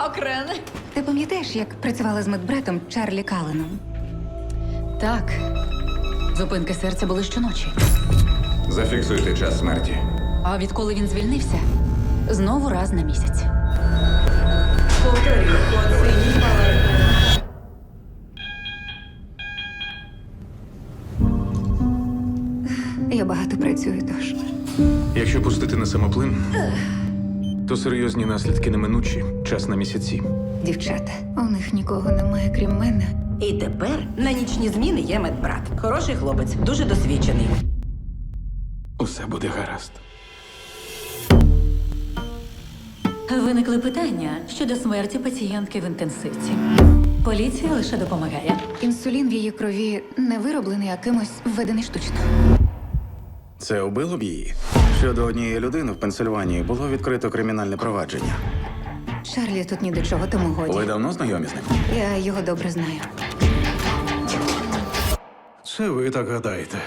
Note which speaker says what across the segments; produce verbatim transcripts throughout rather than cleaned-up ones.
Speaker 1: Льокрен.
Speaker 2: Ти пам'ятаєш, як працювала з медбратом Чарлі Калленом?
Speaker 1: Так. Зупинки серця були щоночі.
Speaker 3: Зафіксуйте час смерті.
Speaker 1: А відколи він звільнився, знову раз на місяць.
Speaker 2: Я багато працюю, тож.
Speaker 4: Якщо пустити на самоплин, то серйозні наслідки неминучі. Час на місяці.
Speaker 2: Дівчата, у них нікого немає, крім мене.
Speaker 5: І тепер на нічні зміни є медбрат. Хороший хлопець, дуже досвідчений.
Speaker 4: Усе буде гаразд.
Speaker 6: Виникли питання щодо смерті пацієнтки в інтенсивці. Поліція лише допомагає.
Speaker 2: Інсулін в її крові не вироблений, а кимось введений штучно.
Speaker 7: Це убило б її? Щодо однієї людини в Пенсильванії було відкрито кримінальне провадження.
Speaker 2: Чарлі тут ні до чого, тому
Speaker 7: Ви
Speaker 2: годі.
Speaker 7: давно знайомі з ним?
Speaker 2: Я його добре знаю.
Speaker 4: Це ви так гадаєте.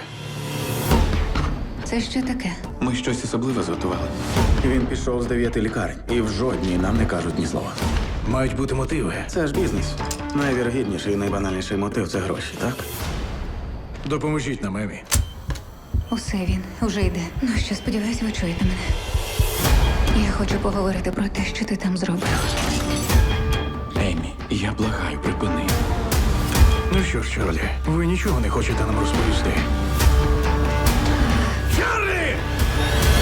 Speaker 2: Це що таке?
Speaker 7: Ми щось особливе зготували. Він пішов з дев'яти лікарень, і в жодній нам не кажуть ні слова.
Speaker 4: Мають бути мотиви.
Speaker 7: Це ж бізнес. Найвірогідніший і найбанальніший мотив це гроші, так?
Speaker 4: Допоможіть нам, Емі.
Speaker 2: Усе він уже йде. Ну що, сподіваюсь, ви чуєте мене. Я хочу поговорити про те, що ти там зробив.
Speaker 7: Емі, я благаю, припини.
Speaker 4: Ну що ж, Чарлі, ви нічого не хочете нам розповісти? Чарлі!